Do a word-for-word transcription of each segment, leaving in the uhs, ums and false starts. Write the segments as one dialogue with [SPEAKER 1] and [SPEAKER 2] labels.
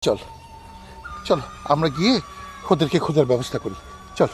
[SPEAKER 1] চল চলো আমরা গিয়ে ওদেরকে খোঁজার ব্যবস্থা করি। চল।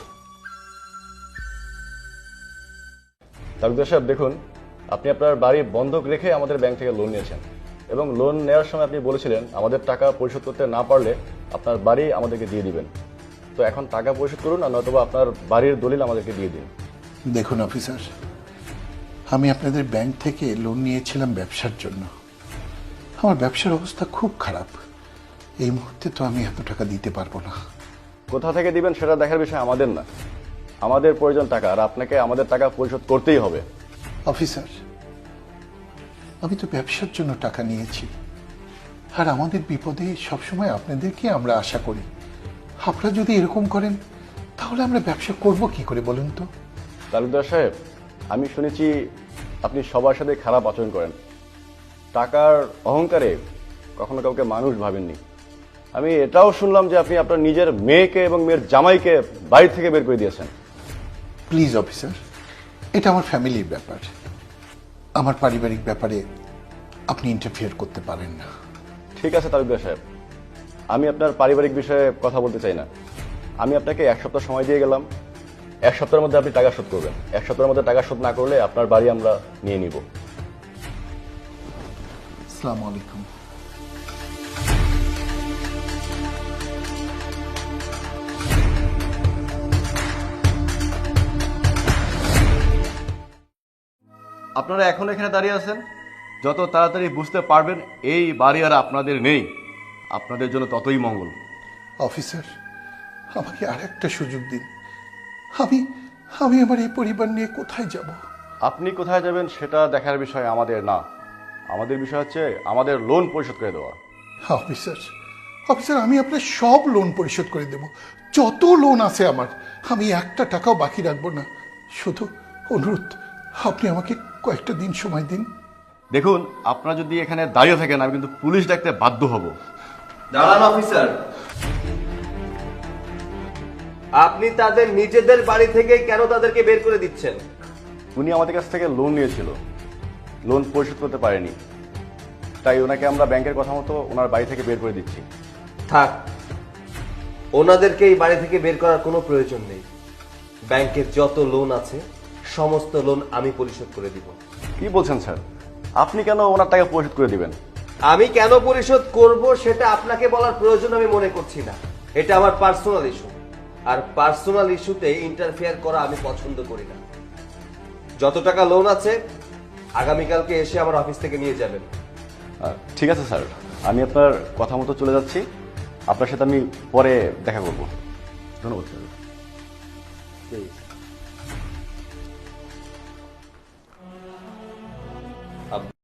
[SPEAKER 2] তালুকদার সাহেব, দেখুন, আপনি আপনার বাড়ি বন্ধক রেখে আমাদের ব্যাংক থেকে লোন নিয়েছেন এবং লোন নেওয়ার সময় আপনি বলেছিলেন আমাদের টাকা পরিশোধ করতে না পারলে আপনার বাড়ি আমাদেরকে দিয়ে দিবেন। তো এখন টাকা পরিশোধ করুন, আর নয়তোবা আপনার বাড়ির দলিল আমাদেরকে দিয়ে দিন।
[SPEAKER 1] দেখুন অফিসার, আমি আপনাদের ব্যাংক থেকে লোন নিয়েছিলাম ব্যবসার জন্য। আমার ব্যবসার অবস্থা খুব খারাপ। এই মুহূর্তে তো আমি এত টাকা দিতে পারবো না।
[SPEAKER 2] কোথা থেকে দিবেন সেটা দেখার বিষয় আমাদের না, আমাদের প্রয়োজন টাকা, আর আপনাকে আমাদের টাকা পরিশোধ করতেই হবে।
[SPEAKER 1] অফিসার, আমি তো ব্যবসার জন্য টাকা নিয়েছি, আর আমাদের বিপদে সবসময় আপনাদেরকে আমরা আশা করি। আপনারা যদি এরকম করেন তাহলে আমরা ব্যবসা করব কি করে বলুন তো?
[SPEAKER 2] তালুকদার সাহেব, আমি শুনেছি আপনি সবার সাথে খারাপ আচরণ করেন, টাকার অহংকারে কখনো কাউকে মানুষ ভাবেননি। আমি এটাও শুনলাম যে আপনি আপনার নিজের মেয়েকে এবং মেয়ের জামাইকে বাড়ি থেকে বের করে দিয়েছেন।
[SPEAKER 1] প্লিজ অফিসার, এটা আমার ফ্যামিলির ব্যাপার। আমার পারিবারিক ব্যাপারে আপনি ইন্টারফিয়ার করতে পারেন না।
[SPEAKER 2] ঠিক আছে তালুকদার সাহেব, আমি আপনার পারিবারিক বিষয়ে কথা বলতে চাই না। আমি আপনাকে এক সপ্তাহ সময় দিয়ে গেলাম, এক সপ্তাহের মধ্যে আপনি টাকা শোধ করবেন। এক সপ্তাহের মধ্যে টাকা শোধ না করলে আপনার বাড়ি আমরা নিয়ে নিব।
[SPEAKER 1] আসসালামু আলাইকুম।
[SPEAKER 2] আপনারা এখন এখানে দাঁড়িয়ে আছেন, যত তাড়াতাড়ি বুঝতে পারবেন এই বাড়ি আর আপনাদের নেই, আপনাদের জন্য ততই মঙ্গল।
[SPEAKER 1] অফিসার, আমাকে আর একটা সুযোগ দিন। আমি আমি আমার এই পরিবার নিয়ে কোথায় যাব?
[SPEAKER 2] আপনি কোথায় যাবেন সেটা দেখার বিষয় আমাদের না, আমাদের বিষয় হচ্ছে আমাদের লোন পরিশোধ করে দেওয়া।
[SPEAKER 1] অফিসার অফিসার আমি আপনার সব লোন পরিশোধ করে দেব। যত লোন আছে আমার, আমি একটা টাকাও বাকি রাখবো না। শুধু অনুরোধ, আপনি আমাকে কয়েকটা দিন সময় দিন।
[SPEAKER 2] দেখুন, আপনারা যদি এখানে দাঁড়িয়ে থাকেন আমি কিন্তু পুলিশ ডাকতে বাধ্য হব।
[SPEAKER 3] দাঁড়ান অফিসার, আপনি তাদের নিজেদের বাড়ি থেকে কেন তাদেরকে বের করে দিচ্ছেন?
[SPEAKER 2] উনি আমাদের কাছ থেকে লোন নিয়েছিল, লোন পরিশোধ করতে পারেনি, তাই ওনাকে আমরা ব্যাংকের কথা মতো ওনার বাড়ি থেকে বের করে দিচ্ছি।
[SPEAKER 3] থাক, ওনাদেরকে এই বাড়ি থেকে বের করার কোনো প্রয়োজন নেই। ব্যাংকের যত লোন আছে সমস্ত লোন আমি পরিশোধ করে দিব।
[SPEAKER 2] কি বলছেন স্যার? আপনি কেন ওনার টাকা পরিশোধ করে দিবেন?
[SPEAKER 3] আমি কেন পরিশোধ করব সেটা আপনাকে বলার প্রয়োজন আমি মনে করছি না। এটা আমার পার্সোনাল ইস্যু, আর পার্সোনাল ইস্যুতে ইন্টারফেয়ার করা আমি পছন্দ করি না। যত টাকা লোন আছে আগামীকালকে এসে আমার অফিস থেকে নিয়ে যাবেন।
[SPEAKER 2] আহ, ঠিক আছে স্যার, আমি আপনার কথা মতো চলে যাচ্ছি। আপনার সাথে আমি পরে দেখা করব। ধন্যবাদ স্যার।